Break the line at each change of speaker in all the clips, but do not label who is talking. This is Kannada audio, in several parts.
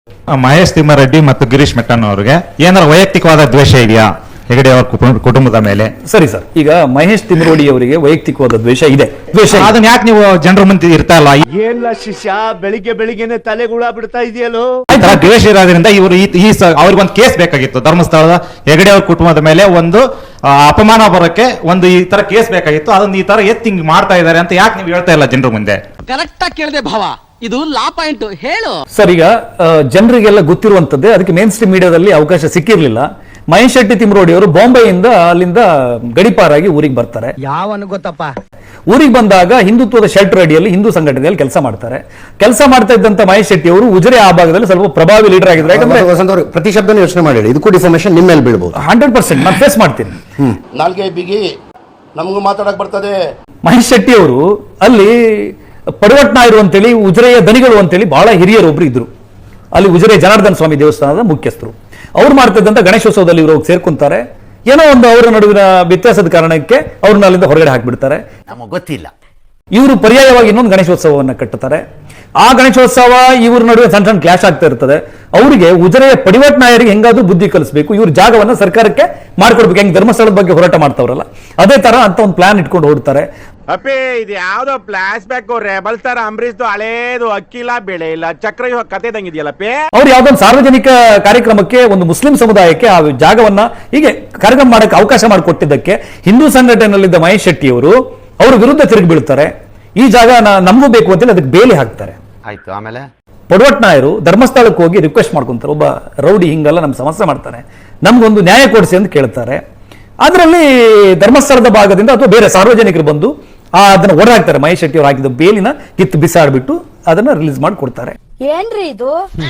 ಮಹೇಶ್ ತಿಮ್ಮಾರೆಡ್ಡಿ ಮತ್ತು ಗಿರೀಶ್ ಮೆಟ್ಟಣ್ಣ ಅವರಿಗೆ ಏನಾದ್ರು ವೈಯಕ್ತಿಕವಾದ ದ್ವೇಷ ಇದೆಯಾ ಹೆಗಡೆ ಅವರ ಕುಟುಂಬದ ಮೇಲೆ?
ಸರಿ ಸರ್, ಈಗ ಮಹೇಶ್ ತಿಮ್ರೋಡಿ ಅವರಿಗೆ ವೈಯಕ್ತಿಕವಾದ ದ್ವೇಷ ಇದೆ.
ಅದನ್ನ ಯಾಕೆ ನೀವು ಜನರ ಮುಂದೆ ಇರ್ತಾ ಇಲ್ಲ?
ಏನ್ಲ ಶಿಷ್ಯ ಬೆಳಿಗ್ಗೆನೆ ತಲೆಗುಳ ಬಿಡ್ತಾ ಇದೆಯಲ್ಲೋ.
ದ್ವೇಷ ಇರೋದ್ರಿಂದ ಇವರು ಅವ್ರಿಗೊಂದು ಕೇಸ್ ಬೇಕಾಗಿತ್ತು. ಧರ್ಮಸ್ಥಳದ ಹೆಗಡೆ ಅವ್ರ ಕುಟುಂಬದ ಮೇಲೆ ಒಂದು ಅಪಮಾನ ಬರೋಕೆ ಒಂದು ಈ ತರ ಕೇಸ್ ಬೇಕಾಗಿತ್ತು. ಅದನ್ನ ಈ ತರ ಎತ್ತಿಂಗ್ ಮಾಡ್ತಾ ಇದ್ದಾರೆ ಅಂತ ಯಾಕೆ ನೀವು ಹೇಳ್ತಾ ಇಲ್ಲ ಜನರ ಮುಂದೆ?
ಕರೆಕ್ಟ್ ಆಗಿ ಕೇಳಿದೆ ಭಾವ, ಇದು ಲಾ ಪಾಯಿಂಟ್ ಹೇಳು
ಸರ್. ಈಗ ಜನರಿಗೆಲ್ಲ ಗೊತ್ತಿರುವಂತದ್ದೇ, ಅದಕ್ಕೆ ಮೇನ್ ಸ್ಟ್ರೀಮ್ ಮೀಡಿಯಾದಲ್ಲಿ ಅವಕಾಶ ಸಿಕ್ಕಿರ್ಲಿಲ್ಲ. ಮಹೇಶ್ ಶೆಟ್ಟಿ ತಿಮ್ರೋಡಿ ಅವರು ಬಾಂಬೆಯಿಂದ ಅಲ್ಲಿಂದ ಗಡಿಪಾರಾಗಿ ಊರಿಗೆ ಬರ್ತಾರೆ.
ಯಾವನು ಗೊತ್ತಪ್ಪ?
ಊರಿಗೆ ಬಂದಾಗ ಹಿಂದುತ್ವದ ಶೆಲ್ಟರ್ ಅಡಿಯಲ್ಲಿ ಹಿಂದೂ ಸಂಘಟನೆಯಲ್ಲಿ ಕೆಲಸ ಮಾಡ್ತಾರೆ. ಕೆಲಸ ಮಾಡ್ತಾ ಇದ್ದಂತ ಮಹೇಶ್ ಶೆಟ್ಟಿ ಅವರು ಉಜಿರೆ ಆ ಭಾಗದಲ್ಲಿ ಸ್ವಲ್ಪ ಪ್ರಭಾವಿ ಲೀಡರ್ ಆಗಿದ್ದಾರೆ. ಯಾಕಂದ್ರೆ
ಪ್ರತಿ ಶಬ್ದ ಯೋಚನೆ ಮಾಡಿ, ಇದಕ್ಕೂ ಡಿಫಾರ್ಮೇಶನ್ ನಿಮ್ಮ ಮೇಲೆ ಬೀಳಬಹುದು.
100% ನಾನು ಫೇಸ್ ಮಾಡ್ತೀನಿ.
ನಾಲ್ಗೆ ಬಿಗಿ ನಮಗೂ ಮಾತಾಡಕ್ ಬರ್ತದೆ.
ಮಹೇಶ್ ಶೆಟ್ಟಿ ಅವರು ಅಲ್ಲಿ ಪಡವಟ್ನಾಯರು ಅಂತೇಳಿ ಉಜಿರೆಯ ದನಿಗಳು ಅಂತೇಳಿ ಬಹಳ ಹಿರಿಯರು ಒಬ್ರು ಇದ್ರು. ಅಲ್ಲಿ ಉಜಿರೆ ಜನಾರ್ದನ ಸ್ವಾಮಿ ದೇವಸ್ಥಾನದ ಮುಖ್ಯಸ್ಥರು. ಅವ್ರು ಮಾಡ್ತಿದ್ದಂತ ಗಣೇಶೋತ್ಸವದಲ್ಲಿ ಇವರು ಸೇರ್ಕೊಂತಾರೆ. ಏನೋ ಒಂದು ಅವರ ನಡುವಿನ ವ್ಯತ್ಯಾಸದ ಕಾರಣಕ್ಕೆ ಅವ್ರನ್ನ ಅಲ್ಲಿಂದ ಹೊರಗಡೆ ಹಾಕ್ಬಿಡ್ತಾರೆ.
ನಮಗೆ ಗೊತ್ತಿಲ್ಲ.
ಇವರು ಪರ್ಯಾಯವಾಗಿ ಇನ್ನೊಂದು ಗಣೇಶೋತ್ಸವವನ್ನು ಕಟ್ಟುತ್ತಾರೆ. ಆ ಗಣೇಶೋತ್ಸವ ಇವ್ರ ನಡುವೆ ಸಣ್ಣ ಸಣ್ಣ ಕ್ಲಾಶ್ ಆಗ್ತಾ ಇರ್ತದೆ. ಅವರಿಗೆ ಉಜಿರೆಯ ಪಡಿವಟ್ ನಾಯರಿಗೆ ಹೆಂಗಾದ್ರೂ ಬುದ್ಧಿ ಕಲಿಸಬೇಕು, ಇವ್ರ ಜಾಗವನ್ನ ಸರ್ಕಾರಕ್ಕೆ ಮಾಡ್ಕೊಡ್ಬೇಕು. ಹೆಂಗ್ ಧರ್ಮಸ್ಥಳದ ಬಗ್ಗೆ ಹೋರಾಟ ಮಾಡ್ತಾವ್ರಲ್ಲ ಅದೇ ತರ ಅಂತ ಒಂದು ಪ್ಲಾನ್ ಇಟ್ಕೊಂಡು ಹೊರಡ್ತಾರೆ.
ಅಪ್ಪಿ ಇದು ಯಾವ್ದೋ ಫ್ಲಾಶ್ ಬ್ಯಾಕ್ ರೆಬಲ್ ತರ ಅಂಬರೀಶ್ ಹಳೇದು ಅಕ್ಕಿಲ್ಲ ಬೆಳೆ ಇಲ್ಲ ಚಕ್ರ ಕತೆ ತಂಗಿದ್ಯಲ್ಲಪ್ಪಿ.
ಅವ್ರು ಯಾವ್ದೊಂದು ಸಾರ್ವಜನಿಕ ಕಾರ್ಯಕ್ರಮಕ್ಕೆ ಒಂದು ಮುಸ್ಲಿಂ ಸಮುದಾಯಕ್ಕೆ ಆ ಜಾಗವನ್ನ ಹೀಗೆ ಕಾರ್ಯಕ್ರಮ ಮಾಡಕ್ಕೆ ಅವಕಾಶ ಮಾಡಿಕೊಟ್ಟಿದ್ದಕ್ಕೆ ಹಿಂದೂ ಸಂಘಟನೆಯಲ್ಲಿದ್ದ ಮಹೇಶ್ ಶೆಟ್ಟಿ ಅವರು ಅವ್ರ ವಿರುದ್ಧ ತಿರುಗಿ ಬೀಳ್ತಾರೆ. ಈ ಜಾಗ ನಮಗೂ ಬೇಕು ಅಂತೇಳಿ ಅದಕ್ಕೆ ಬೇಲಿ ಹಾಕ್ತಾರೆ.
ಆಯ್ತು, ಆಮೇಲೆ
ಪಡವಟ್ನಾಯರು ಧರ್ಮಸ್ಥಳಕ್ಕೆ ಹೋಗಿ ರಿಕ್ವೆಸ್ಟ್ ಮಾಡ್ಕೊಂತಾರೆ. ಒಬ್ಬ ರೌಡಿ ಹಿಂಗೆಲ್ಲ ನಮ್ ಸಮಸ್ಯೆ ಮಾಡ್ತಾನೆ, ನಮ್ಗೊಂದು ನ್ಯಾಯ ಕೊಡಿಸಿ ಅಂತ ಕೇಳ್ತಾರೆ. ಅದರಲ್ಲಿ ಧರ್ಮಸ್ಥಳದ ಭಾಗದಿಂದ ಅಥವಾ ಬೇರೆ ಸಾರ್ವಜನಿಕರು ಬಂದು ಅದನ್ನ ಹೊರಹಾಕ್ತಾರೆ. ಮಹೇಶ್ ಶೆಟ್ಟಿ ಅವರು ಹಾಕಿದ ಬೇಲಿನ ಕಿತ್ತು ಬಿಸಾಡ್ಬಿಟ್ಟು ಅದನ್ನ ರಿಲೀಸ್ ಮಾಡಿ ಕೊಡ್ತಾರೆ.
ಏನ್ರಿ ಇದು?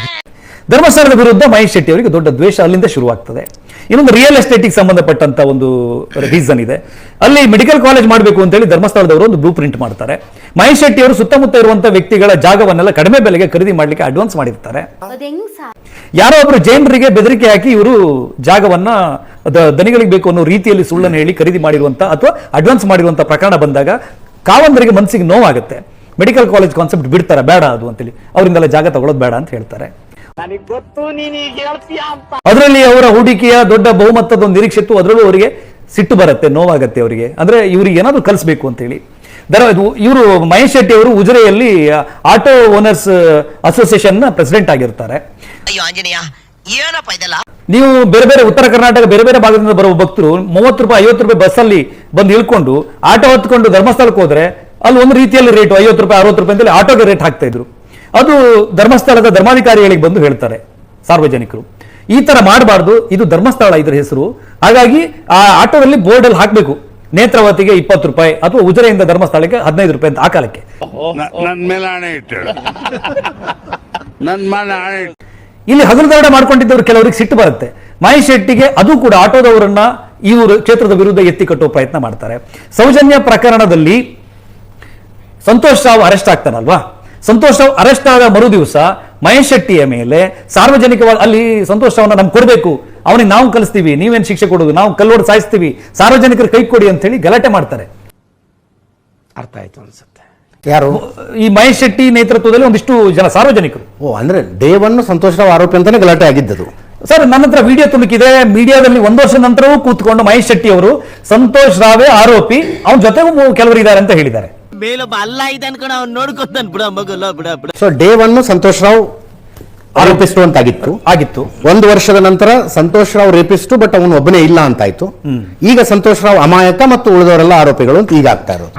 ಧರ್ಮಸ್ಥಳದ ವಿರುದ್ಧ ಮಹೇಶ್ ಶೆಟ್ಟಿ ಅವರಿಗೆ ದೊಡ್ಡ ದ್ವೇಷ ಅಲ್ಲಿಂದ ಶುರುವಾಗ್ತದೆ. ಇನ್ನೊಂದು ರಿಯಲ್ ಎಸ್ಟೇಟಿಗೆ ಸಂಬಂಧಪಟ್ಟಂತ ಒಂದು ರೀಸನ್ ಇದೆ. ಅಲ್ಲಿ ಮೆಡಿಕಲ್ ಕಾಲೇಜ್ ಮಾಡಬೇಕು ಅಂತೇಳಿ ಧರ್ಮಸ್ಥಳದವರು ಒಂದು ಬ್ಲೂ ಪ್ರಿಂಟ್ ಮಾಡ್ತಾರೆ. ಮಹೇಶ್ ಶೆಟ್ಟಿ ಅವರು ಸುತ್ತಮುತ್ತ ಇರುವಂತಹ ವ್ಯಕ್ತಿಗಳ ಜಾಗವನ್ನೆಲ್ಲ ಕಡಿಮೆ ಬೆಲೆಗೆ ಖರೀದಿ ಮಾಡ್ಲಿಕ್ಕೆ ಅಡ್ವಾನ್ಸ್ ಮಾಡಿರ್ತಾರೆ. ಯಾರೋ ಒಬ್ರು ಜೈನರಿಗೆ ಬೆದರಿಕೆ ಹಾಕಿ ಇವರು ಜಾಗವನ್ನ ದನಿಗಳಿಗೆ ಬೇಕು ಅನ್ನೋ ರೀತಿಯಲ್ಲಿ ಸುಳ್ಳನ್ನು ಹೇಳಿ ಖರೀದಿ ಮಾಡಿರುವಂತ ಅಥವಾ ಅಡ್ವಾನ್ಸ್ ಮಾಡಿರುವಂತ ಪ್ರಕರಣ ಬಂದಾಗ ಕಾವಂದರಿಗೆ ಮನಸ್ಸಿಗೆ ನೋವಾಗುತ್ತೆ. ಮೆಡಿಕಲ್ ಕಾಲೇಜ್ ಕಾನ್ಸೆಪ್ಟ್ ಬಿಡ್ತಾರೆ, ಬೇಡ ಅದು ಅಂತೇಳಿ ಅವರಿಂದೆಲ್ಲ ಜಾಗ ತಗೊಳ್ಳೋದು ಬೇಡ ಅಂತ ಹೇಳ್ತಾರೆ. ಅದರಲ್ಲಿ ಅವರ ಹೂಡಿಕೆಯ ದೊಡ್ಡ ಬಹುಮತದ ಒಂದು ನಿರೀಕ್ಷೆ ಇತ್ತು. ಅದರಲ್ಲೂ ಅವರಿಗೆ ಸಿಟ್ಟು ಬರುತ್ತೆ, ನೋವಾಗತ್ತೆ ಅವರಿಗೆ. ಅಂದ್ರೆ ಇವ್ರಿಗೆ ಏನಾದ್ರು ಕಲಿಸಬೇಕು ಅಂತೇಳಿ ಇವರು ಮಹೇಶ್ ಶೆಟ್ಟಿ ಅವರು ಉಜಿರೆಯಲ್ಲಿ ಆಟೋ ಓನರ್ಸ್ ಅಸೋಸಿಯೇಷನ್ ನ ಪ್ರೆಸಿಡೆಂಟ್ ಆಗಿರ್ತಾರೆ. ನೀವು ಬೇರೆ ಬೇರೆ ಉತ್ತರ ಕರ್ನಾಟಕ ಬೇರೆ ಬೇರೆ ಭಾಗದಿಂದ ಬರುವ ಭಕ್ತರು 30 ರೂಪಾಯಿ 50 ರೂಪಾಯಿ ಬಸ್ಸಲ್ಲಿ ಬಂದು ಇಳ್ಕೊಂಡು ಆಟೋ ಹೊತ್ಕೊಂಡು ಧರ್ಮಸ್ಥಳಕ್ಕೆ ಹೋದ್ರೆ ಅಲ್ಲಿ ಒಂದು ರೀತಿಯಲ್ಲಿ ರೇಟ್ 50 ರೂಪಾಯಿ 60 ರೂಪಾಯಿ ಅಂತೇಳಿ ಆಟೋಗೆ ರೇಟ್ ಹಾಕ್ತಾ ಇದ್ರು. ಅದು ಧರ್ಮಸ್ಥಳದ ಧರ್ಮಾಧಿಕಾರಿಗಳಿಗೆ ಬಂದು ಹೇಳ್ತಾರೆ ಸಾರ್ವಜನಿಕರು, ಈ ತರ ಮಾಡಬಾರ್ದು, ಇದು ಧರ್ಮಸ್ಥಳ ಇದ್ರ ಹೆಸರು. ಹಾಗಾಗಿ ಆ ಆಟೋದಲ್ಲಿ ಬೋರ್ಡ್ ಅಲ್ಲಿ ಹಾಕ್ಬೇಕು, ನೇತ್ರಾವತಿಗೆ 20 ರೂಪಾಯಿ ಅಥವಾ ಉಜಿರೆಯಿಂದ ಧರ್ಮಸ್ಥಳಕ್ಕೆ 15 ರೂಪಾಯಿ ಅಂತ ಆ ಕಾಲಕ್ಕೆ. ಇಲ್ಲಿ ಹಗಲುದಾಟ ಮಾಡ್ಕೊಂಡಿದ್ದವರು ಕೆಲವರಿಗೆ ಸಿಟ್ಟು ಬರುತ್ತೆ. ಮಹೇಶ್ ಶೆಟ್ಟಿಗೆ ಅದು ಕೂಡ ಆಟೋದವರನ್ನ ಇವರು ಕ್ಷೇತ್ರದ ವಿರುದ್ಧ ಎತ್ತಿ ಕಟ್ಟುವ ಪ್ರಯತ್ನ ಮಾಡ್ತಾರೆ. ಸೌಜನ್ಯ ಪ್ರಕರಣದಲ್ಲಿ ಸಂತೋಷ್ ರಾವ್ ಅರೆಸ್ಟ್ ಆಗ್ತಾನಲ್ವಾ, ಸಂತೋಷ್ ರಾವ್ ಅರೆಸ್ಟ್ ಆದ ಮರು ದಿವಸ ಮಹೇಶ್ ಶೆಟ್ಟಿಯ ಮೇಲೆ ಸಾರ್ವಜನಿಕವಾಗಿ ಅಲ್ಲಿ ಸಂತೋಷ್ ರಾವ್ನ ನಮ್ಗೆ ಕೊಡಬೇಕು, ಅವನಿಗೆ ನಾವು ಕಲಿಸ್ತೀವಿ, ನೀವೇನ್ ಶಿಕ್ಷೆ ಕೊಡೋದು, ನಾವು ಕಲ್ಲೋಡ್ ಸಾಯಿಸ್ತೀವಿ, ಸಾರ್ವಜನಿಕರು ಕೈ ಕೊಡಿ ಅಂತ ಹೇಳಿ ಗಲಾಟೆ ಮಾಡ್ತಾರೆ.
ಅರ್ಥ ಆಯ್ತು ಅನ್ಸುತ್ತೆ.
ಯಾರು?
ಈ ಮಹೇಶ್ ಶೆಟ್ಟಿ ನೇತೃತ್ವದಲ್ಲಿ ಒಂದಿಷ್ಟು ಜನ ಸಾರ್ವಜನಿಕರು.
ಅಂದ್ರೆ ಡೇವನ್ನು ಸಂತೋಷ್ ರಾವ್ ಆರೋಪಿ ಅಂತಾನೆ ಗಲಾಟೆ ಆಗಿದ್ದದು.
ಸರ್, ನನ್ನ ಹತ್ರ ವಿಡಿಯೋ ತುಣುಕಿದೆ. ಮೀಡಿಯಾದಲ್ಲಿ 1 ವರ್ಷ ನಂತರವೂ ಕೂತ್ಕೊಂಡು ಮಹೇಶ್ ಶೆಟ್ಟಿ ಅವರು ಸಂತೋಷ್ ರಾವೇ ಆರೋಪಿ, ಅವನ ಜೊತೆಗೂ ಕೆಲವರು ಇದ್ದಾರೆ ಅಂತ ಹೇಳಿದ್ದಾರೆ.
ಮೇಲೊಬ್ಬ ಅಲ್ಲ ಇದೆ ಅನ್ಕೊಂಡು ಅವ್ನು ನೋಡ್ಕೊತಾನೆ ಬಿಡ ಮಗಲ್ಲ ಬಿಡ ಬಿಡ.
ಸೊ ಡೇವನ್ನು ಸಂತೋಷ್ ರಾವ್ ಆರೋಪಿಸ್ಟು ಅಂತಾಗಿತ್ತು ಆಗಿತ್ತು. 1 ವರ್ಷದ ನಂತರ ಸಂತೋಷ್ ರಾವ್ ರೇಪಿಸ್ಟು, ಬಟ್ ಅವನು ಒಬ್ಬನೇ ಇಲ್ಲ ಅಂತಾಯ್ತು. ಈಗ ಸಂತೋಷ್ ರಾವ್ ಅಮಾಯಕ ಮತ್ತು ಉಳಿದವರೆಲ್ಲ ಆರೋಪಿಗಳು ಅಂತ ಈಗ ಆಗ್ತಾ ಇರೋದು.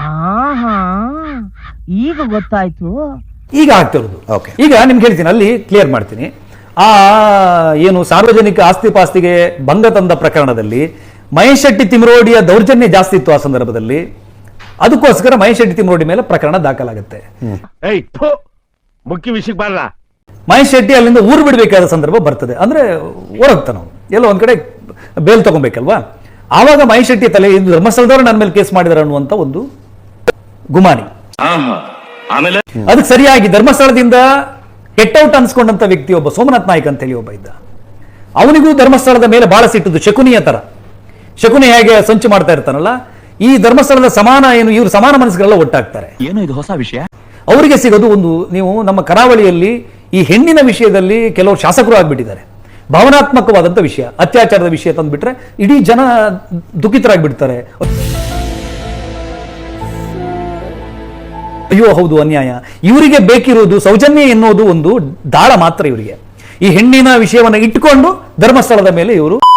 ಈಗ ಗೊತ್ತಾಯ್ತು,
ಈಗ ಆಗ್ತಿರೋದು. ಈಗ ನಿಮ್ಗೆ ಹೇಳ್ತೀನಿ, ಅಲ್ಲಿ ಕ್ಲಿಯರ್ ಮಾಡ್ತೀನಿ. ಆ ಏನು ಸಾರ್ವಜನಿಕ ಆಸ್ತಿ ಪಾಸ್ತಿಗೆ ಭಂಗ ತಂದ ಪ್ರಕರಣದಲ್ಲಿ ಮಹೇಶ್ ಶೆಟ್ಟಿ ತಿಮ್ರೋಡಿಯ ದೌರ್ಜನ್ಯ ಜಾಸ್ತಿ ಇತ್ತು ಆ ಸಂದರ್ಭದಲ್ಲಿ. ಅದಕ್ಕೋಸ್ಕರ ಮಹೇಶ್ ಶೆಟ್ಟಿ ತಿಮ್ರೋಡಿ ಮೇಲೆ ಪ್ರಕರಣ ದಾಖಲಾಗುತ್ತೆ.
ಮುಖ್ಯ ವಿಷಯಕ್ಕೆ ಬರಲ್ಲ.
ಮಹೇಶ್ ಶೆಟ್ಟಿ ಅಲ್ಲಿಂದ ಊರು ಬಿಡಬೇಕಾದ ಸಂದರ್ಭ ಬರ್ತದೆ. ಅಂದ್ರೆ ಹೊರಗ್ತಾನ ನಾವು ಎಲ್ಲೋ ಒಂದ್ ಕಡೆ ಬೇಲ್ ತಗೊಬೇಕಲ್ವಾ. ಆವಾಗ ಮಹೇಶ್ ಶೆಟ್ಟಿ ತಲೆ ಇದು ಧರ್ಮಸ್ಥಳದವರು ನನ್ನ ಮೇಲೆ ಕೇಸ್ ಮಾಡಿದಾರೆ ಅನ್ನುವಂತ ಒಂದು ಗುಮಾನಿ. ಅದಕ್ಕೆ ಸರಿಯಾಗಿ ಧರ್ಮಸ್ಥಳದಿಂದ ಕೆಟ್ಟೌಟ್ ಅನ್ಸ್ಕೊಂಡಂತ ವ್ಯಕ್ತಿ ಒಬ್ಬ ಸೋಮನಾಥ್ ನಾಯ್ಕ್ ಅಂತ ಹೇಳಿ ಒಬ್ಬ ಇದ್ದ. ಅವನಿಗೂ ಧರ್ಮಸ್ಥಳದ ಮೇಲೆ ಬಹಳ ಸಿಟ್ಟದ್ದು, ಶಕುನಿಯ ತರ. ಶಕುನಿ ಹೇಗೆ ಸಂಚು ಮಾಡ್ತಾ ಇರ್ತಾನಲ್ಲ, ಈ ಧರ್ಮಸ್ಥಳದ ಸಮಾನ ಏನು ಇವರು ಸಮಾನ ಮನಸ್ಸುಗಳೆಲ್ಲ ಒಟ್ಟಾಗ್ತಾರೆ.
ಏನು ಇದು ಹೊಸ ವಿಷಯ?
ಅವರಿಗೆ ಸಿಗೋದು ಒಂದು, ನೀವು ನಮ್ಮ ಕರಾವಳಿಯಲ್ಲಿ ಈ ಹೆಣ್ಣಿನ ವಿಷಯದಲ್ಲಿ ಕೆಲವರು ಶಾಸಕರು ಆಗ್ಬಿಟ್ಟಿದ್ದಾರೆ. ಭಾವನಾತ್ಮಕವಾದಂಥ ವಿಷಯ, ಅತ್ಯಾಚಾರದ ವಿಷಯ ತಂದುಬಿಟ್ರೆ ಇಡೀ ಜನ ದುಃಖಿತರಾಗ್ಬಿಡ್ತಾರೆ. ಅಯ್ಯೋ ಹೌದು ಅನ್ಯಾಯ. ಇವರಿಗೆ ಬೇಕಿರುವುದು ಸೌಜನ್ಯ ಎನ್ನುವುದು ಒಂದು ದಾಳ ಮಾತ್ರ ಇವರಿಗೆ. ಈ ಹೆಣ್ಣಿನ ವಿಷಯವನ್ನು ಇಟ್ಟುಕೊಂಡು ಧರ್ಮಸ್ಥಳದ ಮೇಲೆ ಇವರು